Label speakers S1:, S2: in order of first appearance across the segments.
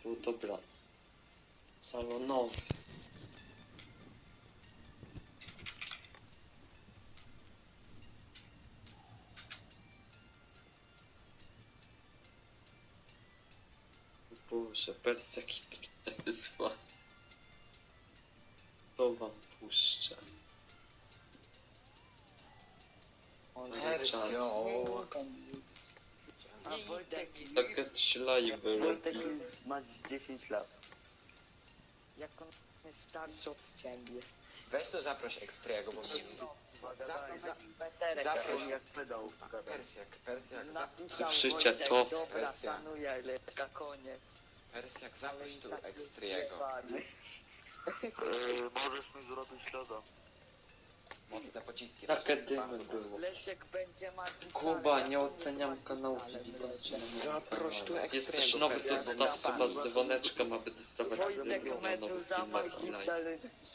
S1: fotobraz salonowy. Boże, Persja kitkę wysła. To wam puszczę. Czas.
S2: A Wojtek,
S1: Takie 3 live
S2: Wojtek
S1: robi.
S2: ma 10 lat.
S3: Jak on jest starszy od ciebie.
S4: Weź tu zaproś Ekstriego, bo mnie...
S2: Zagadaj,
S3: Sweterek.
S4: Zaproś
S2: jak pedał.
S4: Persjak,
S3: Napisał
S1: Słyszycie
S3: Wojtek,
S1: to?
S3: Dobra, szanuję, ale taka koniec.
S4: Persjak, zaproś tu
S3: Tak
S4: Ekstriego.
S2: Możesz mi zrobić loda.
S4: Mocne pociski.
S1: Takie dymy było.
S3: Leszek będzie magiczny.
S1: Kuba, nie oceniam kanału Filipa.
S4: Zaproś tu Ekstriego.
S1: Jesteś nowy, to
S4: Persjak.
S1: zostaw suba z dzwoneczkiem, aby dostawać
S3: Wojtek
S1: video na nowych
S3: Meduza
S1: filmach i live.
S3: magiczny.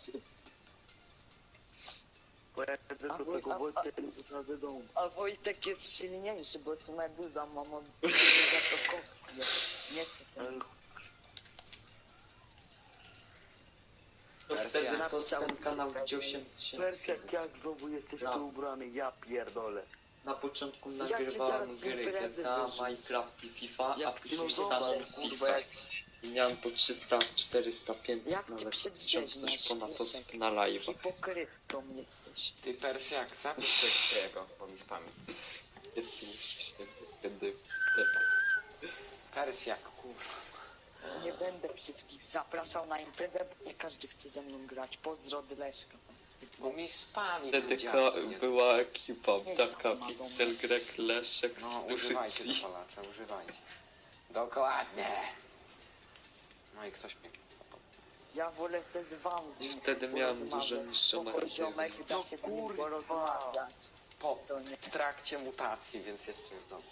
S2: Bo ja chcę do tego Wojtka nie zasadzę domu.
S3: A Wojtek jest silniejszy, bo z Meduza mam za to kopcję. Nie chcę tego.
S1: To wtedy to ten kanał gdzie 8000.
S2: Persjak, jak znowu jesteś
S1: No.
S2: tu ubrany, ja pierdolę.
S1: Na początku
S3: cię
S1: nagrywałem
S3: zaraz
S1: gry
S3: imprezy
S1: GTA,
S3: wyrzucę.
S1: Minecraft i FIFA, a
S3: Jak
S1: później
S3: ty
S1: samą
S3: zobaczysz,
S1: FIFA.
S3: kurwa, jak-
S1: I miałem po 300, 400, 500,
S3: Jak ty
S1: nawet
S3: przedrzeźniasz,
S1: 1000 coś ponad
S3: Leszek?
S1: osób na live.
S3: Hipokrytą jesteś.
S4: Ty Persjak, zaproś tu Ekstriego, bo mi spami.
S1: Jest już kiedy...
S4: Persjak, kurwa.
S3: Nie będę wszystkich zapraszał na imprezę, bo nie każdy chce ze mną grać. Pozdro od Leszka.
S4: Bo mi spami
S1: Wtedy
S4: powiedziałeś.
S1: była ekipa, taka Pixel, Greg, Leszek
S4: No,
S1: z
S4: używajcie
S1: Turcji.
S4: dopalacza, używajcie. Dokładnie. No i ktoś mnie...
S3: Ja wolę se z wami.
S1: I wtedy miałem dużo niższą
S3: poziomek, da
S4: No
S3: się z nim
S4: kurwa.
S3: porozmawiać.
S4: Po,
S3: Co nie?
S4: w trakcie mutacji, więc jeszcze jest dobrze.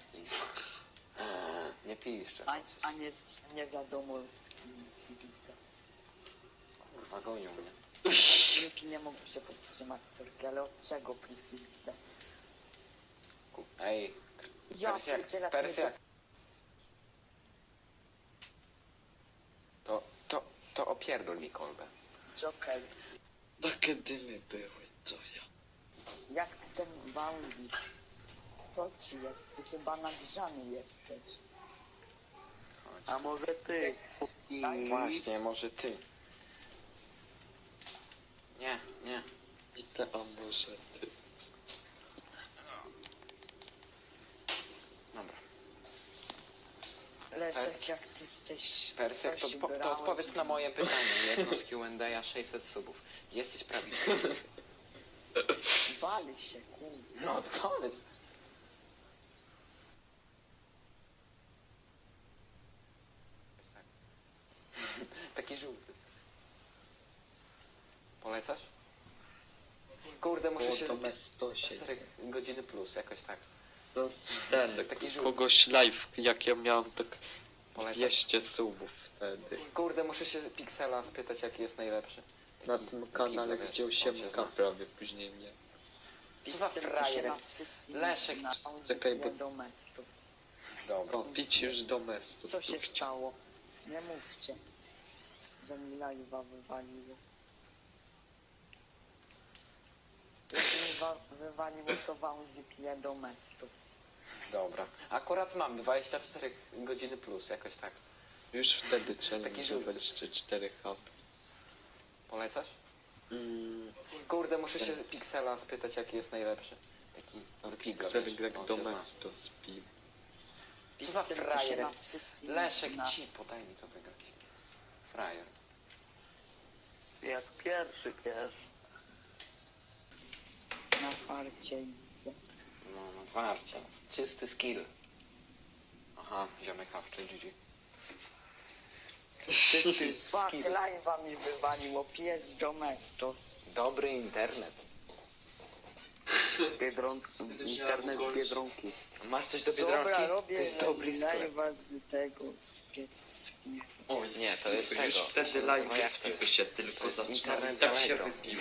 S4: Nie piszcie.
S3: A nie z nie wiadomo z kim śliwista.
S4: Kurwa, gonią mnie.
S3: Nikt nie mógł się powstrzymać sorki, ale od czego plifista?
S4: Ej,
S3: Ja
S4: Persjak,
S3: pierdzielę,
S4: Persjak. To opierdol mi kolbę.
S3: Joker,
S1: Takie dymy były, co ja.
S3: jak ty ten Bałzi? Co ci jest? Ty chyba nagrzany jesteś.
S2: A może ty?
S4: Właśnie, może ty. Nie, nie.
S1: I te, a może ty.
S4: Dobra.
S3: Leszek, jak ty jesteś...
S4: Persjak,
S3: coś
S4: to
S3: brałeś
S4: odpowiedz na
S3: i-
S4: moje pytanie. Jedno z Q&A 600 subów. Jesteś prawidłowy.
S3: Wali się, kurde.
S4: No odpowiedz. Taki żółty. Polecasz? Kurde, muszę
S1: Było
S4: się...
S1: to mestosie.
S4: 4 godziny plus, jakoś tak.
S1: To jest ten,
S4: Taki żółty.
S1: kogoś live, jak ja miałem tak
S4: Polecasz?
S1: 200 subów wtedy.
S4: Kurde, muszę się Pixela spytać, jaki jest najlepszy.
S1: Na
S4: Taki-
S1: tym
S4: taki,
S1: kanale,
S4: wiesz,
S1: gdzie
S4: on się
S1: 8K
S4: zna.
S1: prawie później mnie.
S4: Co za frajer jest? Leszek,
S1: czekaj, bo-
S3: Domestos.
S4: Dobra.
S1: O, widzisz domestos
S3: Co
S1: tu
S3: się
S1: chciał.
S3: stało? Nie mówcie, że mi live'a wywaliło. Jak mi wywaliło, to wam zipie Domestos.
S4: Dobra. Akurat mam 24 godziny plus, jakoś tak.
S1: Już wtedy
S4: Taki
S1: challenge
S4: żółty.
S1: 24 HP.
S4: Polecasz?
S1: Mm,
S4: Kurde, muszę się Pixela spytać, jaki jest najlepszy. Taki...
S1: Pixel Greg
S4: No, to
S1: domestos pił.
S4: Co za
S3: Pixel,
S4: frajer
S3: się na
S4: jest?
S3: wszystkim
S4: Leszek,
S3: zna.
S4: ci, podaj mi to wygrać. Frajer.
S2: Jak pierwszy pies.
S3: Na farcie idzie.
S4: No, na twarcie. Czysty skill. Aha, ziomek hawczy, GG. Czysty
S3: Fuck,
S4: skill.
S3: live'a mi wywaliło, pies Domestos.
S4: Dobry internet.
S2: Biedronki. Internet z Biedronki.
S4: Masz coś do
S3: Dobra,
S4: Biedronki? To
S3: robię
S4: jest dobry sklep.
S3: live'a z tego, z FIFA.
S1: Oj,
S4: Nie, to jest
S1: już
S4: tego.
S1: wtedy
S4: No
S1: live
S4: jak
S1: z
S4: to jest?
S1: FIFA się tylko
S4: To jest
S1: zaczynały.
S4: internet
S1: Tak się
S4: Allegro.
S1: wybiło.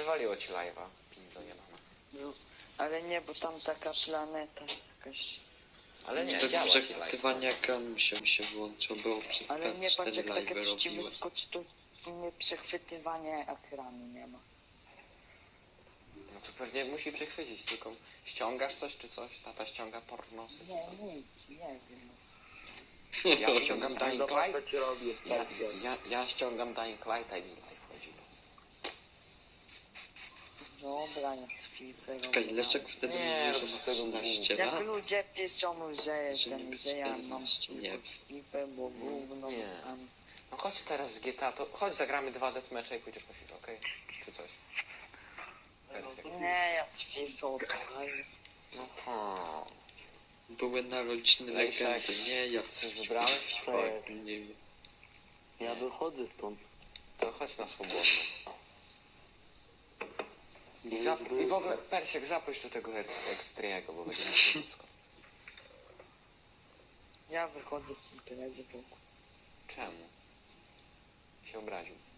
S4: wywaliło ci live'a. Pizdo jebana.
S3: No, ale nie, bo tam taka planeta jest jakaś...
S4: Ale nie,
S1: To
S4: działa ci live.
S1: przechwytywanie ekranu mi się włączyło, było przez
S3: Ale nie,
S1: PS4
S3: patrz jak
S1: live
S3: takie ci
S1: robiłem.
S3: wyskoczy, to nie przechwytywanie ekranu nie ma.
S4: No to pewnie musi przechwycić, tylko ściągasz coś czy coś? Tata ściąga pornosy czy
S3: Nie,
S4: coś?
S3: nic, nie wiem.
S4: Ja ściągam Dying
S2: Zobacz,
S4: Light.
S2: co ci robię.
S4: Ja ściągam Dying Lighta i mi live chodzi.
S3: Dobra, jak FIFA
S1: Czekaj, Leszek wtedy
S4: Nie,
S1: mówił, że
S4: rób
S1: ma
S4: z tego
S1: 13
S3: Jak
S1: lat.
S3: ludzie piszą, że jestem, że ja mam
S1: 14, nie wiem.
S3: FIFA, bo gówno
S4: Nie.
S3: tam.
S4: No chodź teraz z GTA, to chodź zagramy 2 deathmatche i pójdziesz na FIFA, okej? Czy coś? Wersja.
S3: Nie, ja z FIFA odpalę.
S4: No to...
S1: Były narodziny
S4: Leszek,
S1: legendy, nie jacy
S4: wybrałeś?
S1: fuck, nie wiem.
S2: Ja wychodzę stąd.
S4: To chodź na swobodną. I w ogóle Persiek zaproś do tego Extriego, bo będzie na wszystko.
S3: Ja wychodzę z imprezy, bo
S4: Czemu? Się obraził.